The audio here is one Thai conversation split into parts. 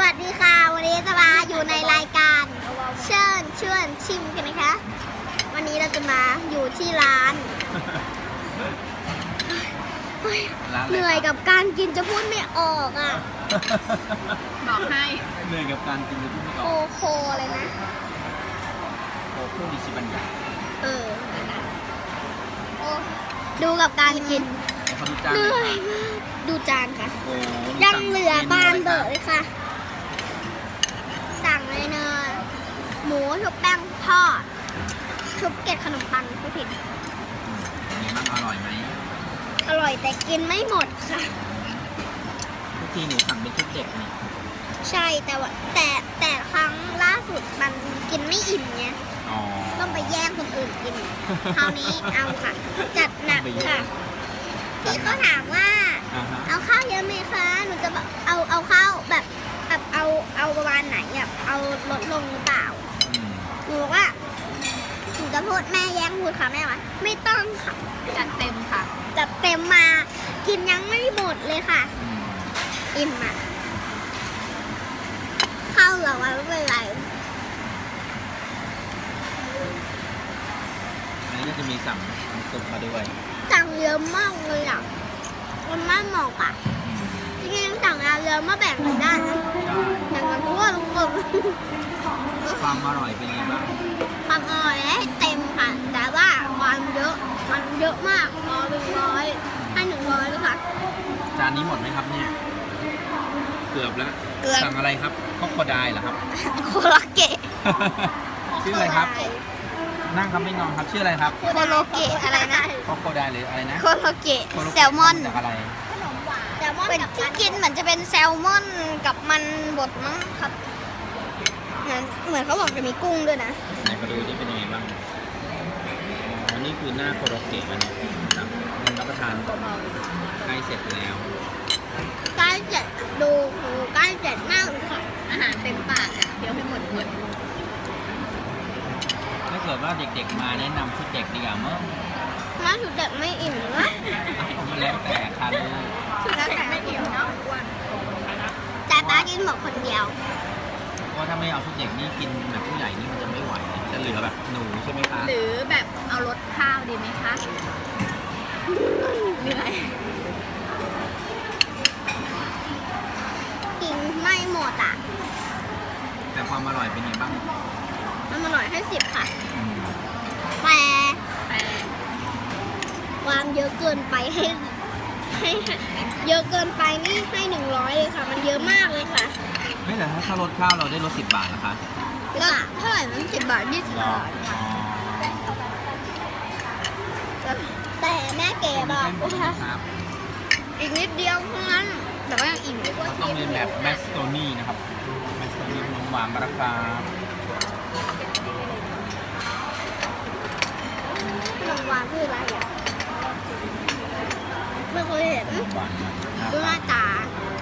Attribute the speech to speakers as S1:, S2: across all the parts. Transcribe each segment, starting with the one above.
S1: วัสดีค่ะวันนี้จะมาอยู่ในรายการเชิญชวนชิมกันนะคะวันนี้เราจะมาอยู่ที่ร้านเหนื่อยกับการกินจะพูดไม่ออกอ่ะ
S2: บอกให้
S3: เหนื่อยกับการกินจะพูดไม่อ
S1: โค
S3: อก
S1: โคเลยนะ
S3: โอ้พูดดิชิบัญญัติ
S1: เออโอ้ดูกับการกิน
S3: เขาดูจาน
S1: เห
S3: เล
S1: นื่อย
S3: ย
S1: มากดูจานค่ะ
S3: โอ้
S1: ยังเหลือบานเบอร์เลยค่ะ สั่งเลยเนยหมูชุบแป้งทอดชุบเกล็ดขนมปังไม่ผิด
S3: มีบ้างอร่อยไหม
S1: อร่อยแต่กินไม่หมดค่ะ
S3: ทุกทีหนูสั่งเป็นชุดเด็กนี่
S1: ใช่แต่ว่าแต่ครั้งล่าสุดมันกินไม่อิ่มไง
S3: อ๋อ
S1: ต้องไปแย่งคนอื่นกิน คราวนี้เอาค่ะ จัดหนักค่ะพี่ก็ถามว่า
S3: อ่าฮะ
S1: เอาข้าวเยอะไหมคะหนูจะแบบเอาข้าวแบบเอาประมาณไหนแบบเอาลดลงหรือเปล่า
S3: อืม
S1: หนูบอกว่าหนูจะพูดแม่แย่งพูดค่ะแม่ว่าไม่ต้องค่ะ
S2: จัดเต็มค่ะ
S1: จัดเต็มมากินยังไม่หมดเลยค่ะ
S3: อืม
S1: อิ่มอ่ะข้าวเหลือไว้ไม่เป็นไร
S3: อันนี้ก็จะมีสั่งน้ำซุปมาด้วย
S1: สั่งเยอะมากเลยอ่ะมันไม่เหมาะอ่ะ
S3: อืม
S1: จริงๆสั่งเยอะมาแบ่งกันได้นะ
S3: ใช่
S1: แบ่งกันทั่วทุกคน
S3: ความอร่อยเป็นยังไงบ้าง
S1: ความอร่อยให้เต็มค่ะ แต่ว่าความเยอะมันเยอะมากร้อยเป็นร้อยให้100เลยค่ะ
S3: จานนี้หมดไหมครับเนี่ย เกือบแล้ว
S1: เกือบ
S3: สั่งอะไรครับคอกโคไดเหรอครับ
S1: โคโลเกะ
S3: ชื่ออะไรครับ นั่งครับไม่นอนครับ ชื่ออะไรครับ
S1: โคโลเกะอะไรนะ
S3: คอกโคไดหรืออะไรนะ
S1: โคโลเกะ
S3: โคโลเกะ
S1: แซลมอน
S3: จากอะไร
S1: เป็นที่กินเหมือนจะเป็นแซลมอนกับมันบดมั้งครับเหมือนเขาบอกจะมีกุ้งด้วยนะ
S3: ไหนมาดูนี่เป็นยังไงบ้างอ๋อนี่คือหน้าโคโรเกะมันนะครับมันรับประทานใกล้เสร็จแล้ว
S1: ใกล้เจ็ดดูโหใกล้เจ็ดมากเลยค่ะ
S2: อาหารเต็มปากอ่ะเดี๋ยวให้หมด
S3: ถ้าเกิดว่าเด็กๆมาแนะนำชุดเด็กดีกว่ามั้ง
S1: ถ้าสุดเด็กไม่อิ่มนะ
S3: มันแล้วแต่ค่ะลูก
S2: แล้วแต่ไม่อิ่มเนาะอ้วน
S1: แต่ป้ากินหมดคนเดียว
S3: เพราะถ้าไม่เอาชุดเด็กนี่กินแบบผู้ใหญ่นี่มันจะไม่ไหวจะเหลือแบบหนูใช่ไหมคะ
S2: หรือแบบเอารสข้าวดีไหมคะเหนื่อย
S1: กินไม่หมดอ่ะ
S3: แต่ความอร่อยเป็นยังไงบ้าง
S1: มันอร่อยให้10ค่ะ
S3: อืม
S1: แต่
S2: แต่
S1: ความเยอะเกินไปให้เยอะเกินไปนี่ให้100เลยค่ะ มันเยอะมากเลยค่ะ
S3: ไม่แต่ถ้าลดข้าวเราได้ลด10 บาทนะคะ
S1: แล้วเท่าไหร่มัน10 บาท20
S3: รอบ
S1: าท
S3: อ๋อ
S1: แต่แม่เก๋บอก
S3: เป็น
S1: ว่า
S3: ครับ
S1: อีกนิดเดียวเท่านั้นแต่ว่ายังอิ่มอยู่
S3: เขาต้องเรียนแบบแมสโตนี่นะครับแมสโตนี่ขนมหวานมะระกา
S1: ขนมหวานคืออะไรอ่ะไม่เคยเห็น
S3: ขนมหวานนะ
S1: ดูหน้าตา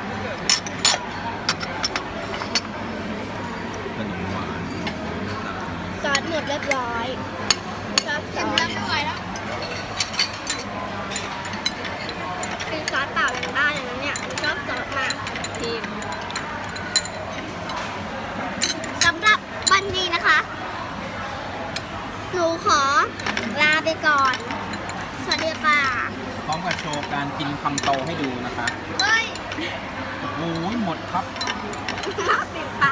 S3: ขนมหวานหน้าตา
S1: ซอสหมดเรียบร้อยซอสกินแล้วไม่ไหวแล้วกินซอสเปล่ายังได้เลยนะเนี่ยชอบซอสมาก
S2: ทีม
S1: สำหรับวันนี้นะคะ หนูขอลาไปก่อน สวัสดีค่ะ
S3: พร้อมกับโชว์การกินคำโตให้ดูนะคะ
S1: เฮ้ย
S3: โอ้โหหมดครับ
S1: ปิดป